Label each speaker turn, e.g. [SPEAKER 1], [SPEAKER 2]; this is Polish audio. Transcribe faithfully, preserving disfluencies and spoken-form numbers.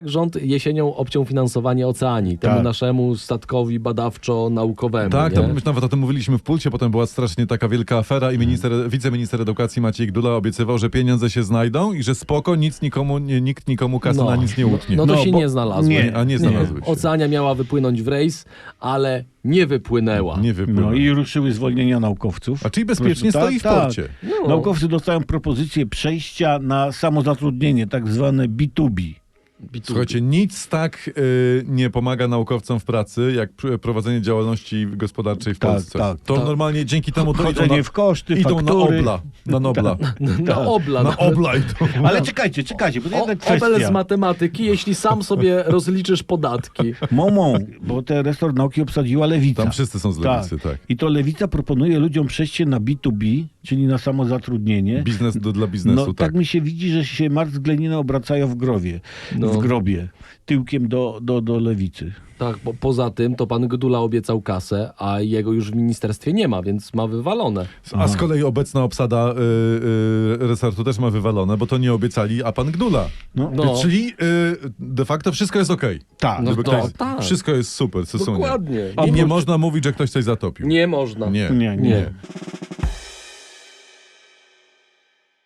[SPEAKER 1] Rząd jesienią obciął finansowanie Oceanii, temu
[SPEAKER 2] Tak.
[SPEAKER 1] naszemu statkowi badawczo-naukowemu.
[SPEAKER 3] Tak,
[SPEAKER 1] nie?
[SPEAKER 3] tam my nawet o tym mówiliśmy w Pulsie, potem była strasznie taka wielka afera i minister, wiceminister edukacji Maciej Gdula obiecywał, że pieniądze się znajdą i że spoko, nic nikomu, nie, nikt nikomu kasy
[SPEAKER 1] No.
[SPEAKER 3] na nic nie utnie.
[SPEAKER 1] No to
[SPEAKER 2] No,
[SPEAKER 1] się
[SPEAKER 2] bo-
[SPEAKER 1] nie znalazło.
[SPEAKER 2] nie,
[SPEAKER 3] a nie znalazły się.
[SPEAKER 1] Oceania miała wypłynąć w rejs, ale nie wypłynęła.
[SPEAKER 3] Nie wypływa.
[SPEAKER 2] No i ruszyły zwolnienia naukowców.
[SPEAKER 3] A czyli bezpiecznie
[SPEAKER 2] Po prostu
[SPEAKER 3] stoi w
[SPEAKER 2] tak,
[SPEAKER 3] porcie.
[SPEAKER 2] tak.
[SPEAKER 1] No.
[SPEAKER 2] Naukowcy dostają propozycję przejścia na samozatrudnienie, tak zwane B dwa B.
[SPEAKER 3] Słuchajcie, nic tak y, nie pomaga naukowcom w pracy, jak pr- prowadzenie działalności gospodarczej w
[SPEAKER 2] Tak,
[SPEAKER 3] Polsce.
[SPEAKER 2] tak,
[SPEAKER 3] to
[SPEAKER 1] tak.
[SPEAKER 3] normalnie dzięki temu to idą
[SPEAKER 2] Chodzenie
[SPEAKER 3] na,
[SPEAKER 2] w koszty,
[SPEAKER 3] idą na
[SPEAKER 2] faktury.
[SPEAKER 3] obla. Na nobla.
[SPEAKER 1] Na obla.
[SPEAKER 3] Na obla idą.
[SPEAKER 2] Ale czekajcie, czekajcie, bo to
[SPEAKER 1] O,
[SPEAKER 2] jedna
[SPEAKER 1] obel z
[SPEAKER 2] kwestia.
[SPEAKER 1] matematyki, jeśli sam sobie rozliczysz podatki.
[SPEAKER 2] Momą, bo te resort nauki obsadziła Lewica.
[SPEAKER 3] Tam wszyscy są z lewicy, tak.
[SPEAKER 2] I to Lewica proponuje ludziom przejście na B dwa B, czyli na samozatrudnienie.
[SPEAKER 3] Biznes do, dla biznesu,
[SPEAKER 2] No,
[SPEAKER 3] tak.
[SPEAKER 2] tak mi się widzi, że się Marx z Gleniną obracają w grobie.
[SPEAKER 1] No.
[SPEAKER 2] W grobie. Tyłkiem do, do, do Lewicy.
[SPEAKER 1] Tak, bo poza tym to pan Gdula obiecał kasę, a jego już w ministerstwie nie ma, więc ma wywalone.
[SPEAKER 3] A z kolei obecna obsada y, y, resortu też ma wywalone, bo to nie obiecali, a pan Gdula.
[SPEAKER 2] No.
[SPEAKER 1] No.
[SPEAKER 3] Czyli y, de facto wszystko jest okej.
[SPEAKER 2] Tak.
[SPEAKER 1] No
[SPEAKER 3] Gdyby
[SPEAKER 1] to
[SPEAKER 3] ktoś-
[SPEAKER 1] tak.
[SPEAKER 3] Wszystko jest super, Susunie.
[SPEAKER 1] Dokładnie.
[SPEAKER 3] I nie
[SPEAKER 2] Oprócz-
[SPEAKER 3] można mówić, że ktoś coś zatopił.
[SPEAKER 1] Nie można.
[SPEAKER 3] Nie.
[SPEAKER 2] Nie, nie.
[SPEAKER 1] Nie.